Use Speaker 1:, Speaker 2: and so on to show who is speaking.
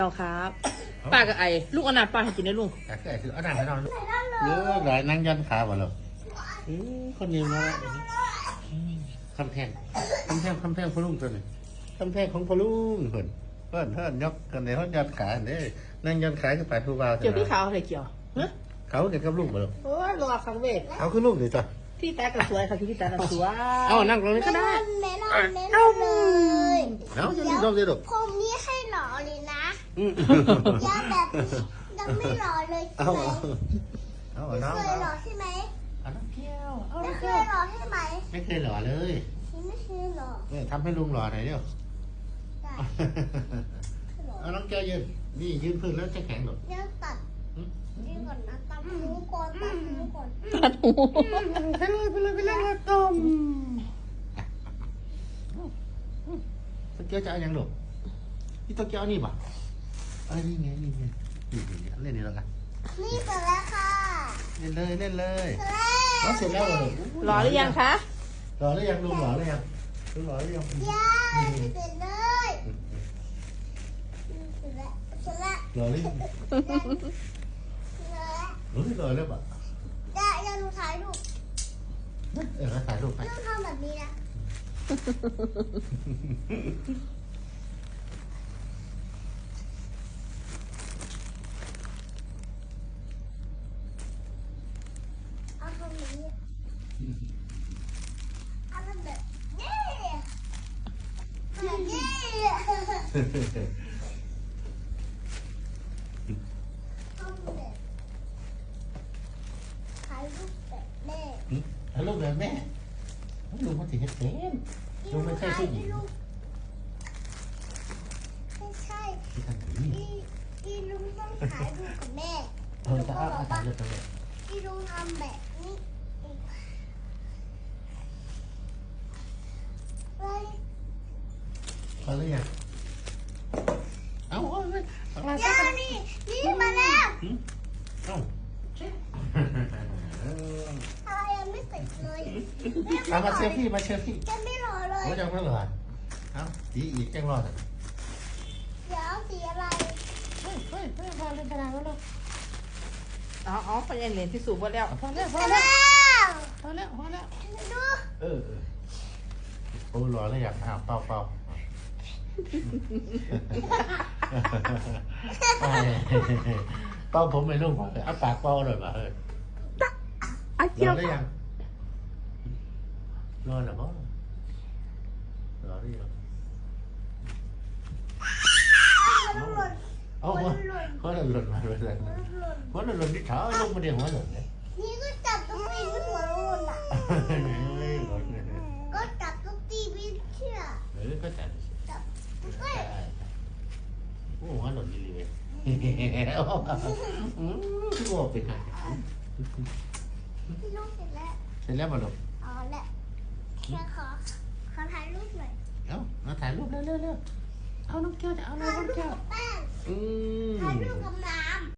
Speaker 1: เราครับป้ากับไอ้ลูกอนาถป้าให้กินได้ลุง
Speaker 2: แต่คือไอ้คือเอาหนังไปนอนเยอะหลายนั่งยันขาบ่หรอคนนี้มาแล้วคำแพงพลุงตัวนี้คำแพงของพลุงเพิ่นยกกันในห้องยันขาเนี่ยนั่งยันขาขึ้นไปผู้บ่าว
Speaker 1: เกี่ยวที่เขาอะไรเกี่ยวฮะ
Speaker 2: เขาเกี่ยวกับลุงบ่หรอ
Speaker 1: โอ้ยรอครั้งเวท
Speaker 2: เขาคือลุงดิจ้ะ
Speaker 1: ที่ตากับสวยค่ะที่ตากับสวย
Speaker 2: เอานั่งตรงนี้ก็ได้
Speaker 3: เมลอนเลย
Speaker 2: เอาจะรีบลงเลยลูก
Speaker 3: ผมนี่ให้หล่อเลยนะยาแบบนี้ยังไม่หล่อเลยใช่
Speaker 2: เอา
Speaker 3: ไหม
Speaker 2: เอา
Speaker 3: ไม่
Speaker 2: น้อง
Speaker 3: เคยหล่อใช่ไหม
Speaker 2: เอาน้องเกี้ยวเอา
Speaker 3: ไม่เคยหล่อใช่ไหม
Speaker 2: ไม่เคยหล่อเลย
Speaker 3: ไม่เคยหล่อ
Speaker 2: เนี่ยทำให้ลุงหล่อหน่อยเดียว
Speaker 3: ได้
Speaker 2: เอาน้องแก้วยืนนี่ยืนพื้นแล้วจะแข็งหรอ
Speaker 3: เดี๋ยวตัดนี่ก่อนนะตัดหูก่อนตัดหูก่อน
Speaker 1: ตัดหู
Speaker 2: ไปเลยต้มตะเกียวจะเอาอย่างหรอนี่ตะเกียวนี่ป่ะอะไรนี่ไงนี่เล่นนี่แล้วกัน
Speaker 3: นี่เสร็จแล้วค่ะ
Speaker 2: เล่นเลย
Speaker 3: เสร็จแล้ว
Speaker 2: เสร็จแล้วเหรอ
Speaker 1: รอหรือยังคะ
Speaker 2: รอหรือยังลุงรอหรือยังลุงรอหรือยัง
Speaker 3: ยายเสร็จเลยเสร็จแล้วเสร็จแล้ว
Speaker 2: รอหรือยัง
Speaker 3: เสร็จแล้ว
Speaker 2: รอแล้วป่ะ
Speaker 3: ได้ยังหนูถ่ายรูป
Speaker 2: ถ่ายรูปไป
Speaker 3: ต้องทำแบบนี้นะเอาทำแบบนี้เอาทำแบบนี้แบบนี้ทำแบบถ่ายรูปแบบแม่
Speaker 2: ถ่ายรูปแบบแม่ลุงมาถึงเต็มลุงไม่ใช่ผู้หญิง
Speaker 3: ไม่ใช่
Speaker 2: ที่ทำอย่างนี้
Speaker 3: ที่ลุงต้องถ่ายรูปกับแม่
Speaker 2: จะเอาถ่ายรูปไปเลย
Speaker 3: ที่ลุงทำแบบนี้เลย
Speaker 2: เอาหรือยังเอาเลย
Speaker 3: ย่านี่มาแล้ว
Speaker 2: เอา
Speaker 3: อะไรยังไม่เสร็จเลย
Speaker 2: เอามาเชฟพี่มาเชฟพี่
Speaker 3: จะไม่รอเลย
Speaker 2: โอ้ยังไม่หรอเอาดีอีกแจ้งรอด
Speaker 3: เดี๋ยวสีอะไร
Speaker 2: เฮ้ยพอเล่นกระดาษแล้วลูก
Speaker 1: เอาไปยันเหรียญที่สูบหมดแล้ว
Speaker 2: พอแล้ว
Speaker 3: ดู
Speaker 2: โอ้รอแล้วอยากเป่าเป่าผมไม่รู้พอเลยเอาปากเป่าเลยป่ะเฮ้ย
Speaker 1: ไอ้
Speaker 2: ร
Speaker 1: เกี่ย
Speaker 2: อ
Speaker 1: ว
Speaker 2: หรือยังรอหรือเปล่ารอหรือยัง
Speaker 3: มันหล่น
Speaker 2: เอาหัวหล่นมาเลยหัวหล่นที่เท้าลงมาเดียวหัวหล่นเลย
Speaker 3: นี่ก็จับตุ๊กตีมันหัวหล่นอ่ะ
Speaker 2: หล่นเลย
Speaker 3: ก็จับตุ๊กตีไม่เชื่อ
Speaker 2: ก็จัด
Speaker 3: จับตุ๊กตี
Speaker 2: โอ้หัวหล่นดีเลยที่บอกเป็นไง
Speaker 3: ที่ลูกเสร็จแล้ว
Speaker 2: เสร็จแล้วมาหลบ
Speaker 3: เอาละแค่ขอถ่ายรูปหน่อย
Speaker 2: เอามาถ่ายรูปเร็วเอาน้องแก้วจะเอาอะไร
Speaker 3: ถ่าย
Speaker 2: น้อง
Speaker 3: รูป
Speaker 2: แก้ว
Speaker 3: กับแป้ง
Speaker 2: อืม
Speaker 3: ถ่ายรูปกับน้ำ